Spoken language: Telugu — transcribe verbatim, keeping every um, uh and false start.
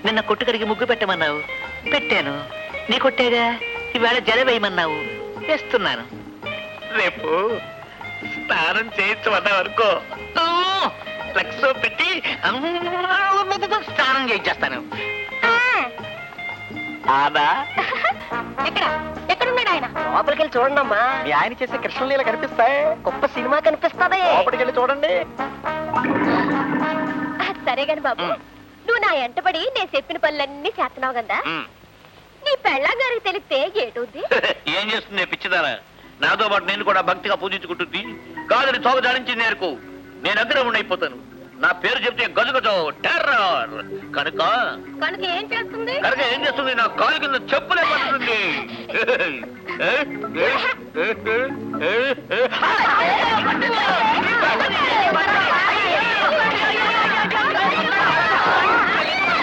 నిన్న కొట్టుకడికి ముగ్గు పెట్టమన్నావు, పెట్టాను. నీ కొట్టేగా ఈవేళ జల వేయమన్నావు, వేస్తున్నాను. రేపు స్నానం చేయించమన్నావు అనుకో, లక్స్ పెట్టి స్నానం చేయించేస్తాను. ఎక్కడ ఎక్కడున్నాడు ఆయన? లోపలికి వెళ్ళి చూడండి అమ్మా, మీ ఆయన చేసే కృష్ణలీల కనిపిస్తాయి. గొప్ప సినిమా కనిపిస్తుంది. లోపలికి వెళ్ళి చూడండి. సరే గాని బాబు, నువ్వు నా ఎంటబడి నేను చెప్పిన పనులన్నీ చేస్తున్నావు కదా, నీ పెళ్ళాం గారికి తెలిస్తే ఏటవుద్ది? ఏం చేస్తుంది పిచ్చిదారా? నాతో పాటు నేను కూడా భక్తిగా పూజించుకుంటుంది. కాదని తోక జాడించింది నేర్కు, నేను అగ్రహం అయిపోతాను. నా పేరు చెప్తే గజగజో టెర్రర్. కనుక కనుక ఏం చేస్తుంది? కనుక ఏం చేస్తుంది? నా కాలు కింద చెప్పులే పడుతుంది.